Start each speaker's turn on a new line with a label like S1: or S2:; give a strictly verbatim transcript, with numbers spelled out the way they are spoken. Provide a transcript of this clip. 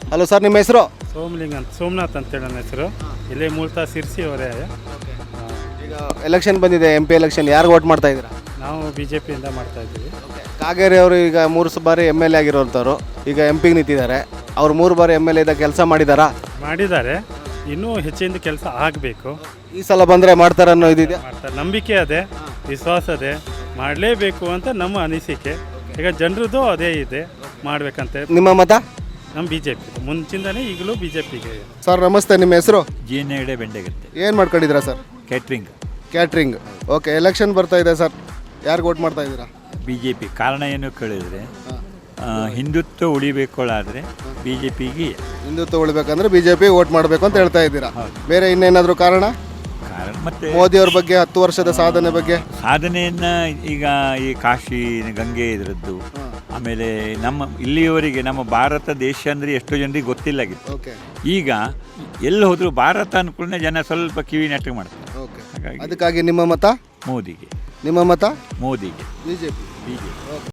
S1: Hello sir, ನಿಮ್ಮ ಹೆಸರು?
S2: ಸೋಮಲಿಂಗ್ ಅಂತ, ಸೋಮನಾಥ್ ಅಂತೇಳಿ ನನ್ನ ಹೆಸರು. ಇಲ್ಲೇ ಮೂಲತಃ ಸಿರ್ಸಿ ಅವರೇ.
S1: ಈಗ ಎಲೆಕ್ಷನ್ ಬಂದಿದೆ, ಎಂ ಪಿ ಎಲೆಕ್ಷನ್. ಯಾರು ವೋಟ್ ಮಾಡ್ತಾ ಇದ್ದೀರಾ?
S2: ನಾವು ಬಿ ಜೆ ಪಿಯಿಂದ ಮಾಡ್ತಾ ಇದ್ದೀವಿ.
S1: ಕಾಗೇರಿ ಅವರು ಈಗ ಮೂರು ಬಾರಿ ಎಮ್ ಎಲ್ ಎ ಆಗಿರೋಂಥವ್ರು, ಈಗ ಎಂ ಪಿಗೆ ನಿಂತಿದ್ದಾರೆ. ಅವ್ರು ಮೂರು ಬಾರಿ ಎಮ್ ಎಲ್ ಎ ಇದ್ದ ಕೆಲಸ ಮಾಡಿದಾರಾ?
S2: ಮಾಡಿದ್ದಾರೆ, ಇನ್ನೂ ಹೆಚ್ಚಿನ ಕೆಲಸ ಆಗಬೇಕು.
S1: ಈ ಸಲ ಬಂದರೆ ಮಾಡ್ತಾರೆ ಅನ್ನೋ ಇದಿದೆ?
S2: ಮಾಡ್ತಾರೆ, ನಂಬಿಕೆ ಅದೇ, ವಿಶ್ವಾಸ ಅದೇ, ಮಾಡಲೇಬೇಕು ಅಂತ ನಮ್ಮ ಅನಿಸಿಕೆ. ಈಗ ಜನರದ್ದು ಅದೇ ಇದೆ, ಮಾಡಬೇಕಂತೆ.
S1: ನಿಮ್ಮ ಮತ?
S2: ನಮ್ಮ ಬಿ ಜೆ ಪಿ ಮುಂಚಿಂದನೇ ಈಗಲೂ ಬಿ ಜೆ ಪಿಗೆ.
S1: ಸರ್ ನಮಸ್ತೆ, ನಿಮ್ಮ ಹೆಸರು?
S3: ಜಿ ಎನ್ ಎಡೆ ಬೆಂಡೆಗತ್ತೆ.
S1: ಏನು ಮಾಡ್ಕೊಂಡಿದ್ದೀರಾ sir?
S3: Catering.
S1: Catering. Okay, election ಬರ್ತಾ ಇದೆ ಸರ್, ಯಾರಿಗೆ ವೋಟ್ ಮಾಡ್ತಾ ಇದ್ದೀರಾ?
S3: B J P. ಕಾರಣ ಏನು ಕೇಳಿದರೆ, ಹಿಂದುತ್ವ ಉಳಿಬೇಕೊಳ್ಳಾದರೆ ಬಿ ಜೆ ಪಿಗೆ.
S1: ಹಿಂದುತ್ವ ಉಳಿಬೇಕಂದ್ರೆ ಬಿ ಜೆ ಪಿ ವೋಟ್ ಮಾಡಬೇಕು ಅಂತ ಹೇಳ್ತಾ ಇದ್ದೀರಾ. ಬೇರೆ ಇನ್ನೇನಾದರೂ ಕಾರಣ?
S3: ಕಾರಣ ಮತ್ತು
S1: ಮೋದಿಯವ್ರ ಬಗ್ಗೆ, ಹತ್ತು ವರ್ಷದ ಸಾಧನೆ ಬಗ್ಗೆ.
S3: ಸಾಧನೆಯನ್ನು ಈಗ ಈ ಕಾಶಿ ಗಂಗೆ ಇದರದ್ದು, ಆಮೇಲೆ ನಮ್ಮ ಇಲ್ಲಿಯವರೆಗೆ ನಮ್ಮ ಭಾರತ ದೇಶ ಅಂದರೆ ಎಷ್ಟೋ ಜನರಿಗೆ ಗೊತ್ತಿಲ್ಲಾಗಿತ್ತು.
S1: ಓಕೆ,
S3: ಈಗ ಎಲ್ಲಿ ಹೋದರೂ ಭಾರತ ಅನ್ಕೊಳ್ಳೆ ಜನ ಸ್ವಲ್ಪ ಕಿವಿ ನೆಟ್ಟಗೆ ಮಾಡ್ತಾರೆ.
S1: ಓಕೆ,
S3: ಹಾಗಾಗಿ
S1: ಅದಕ್ಕಾಗಿ ನಿಮ್ಮ ಮತ
S3: ಮೋದಿಗೆ.
S1: ನಿಮ್ಮ ಮತ
S3: ಮೋದಿಗೆ.
S1: B J P.
S3: B J P.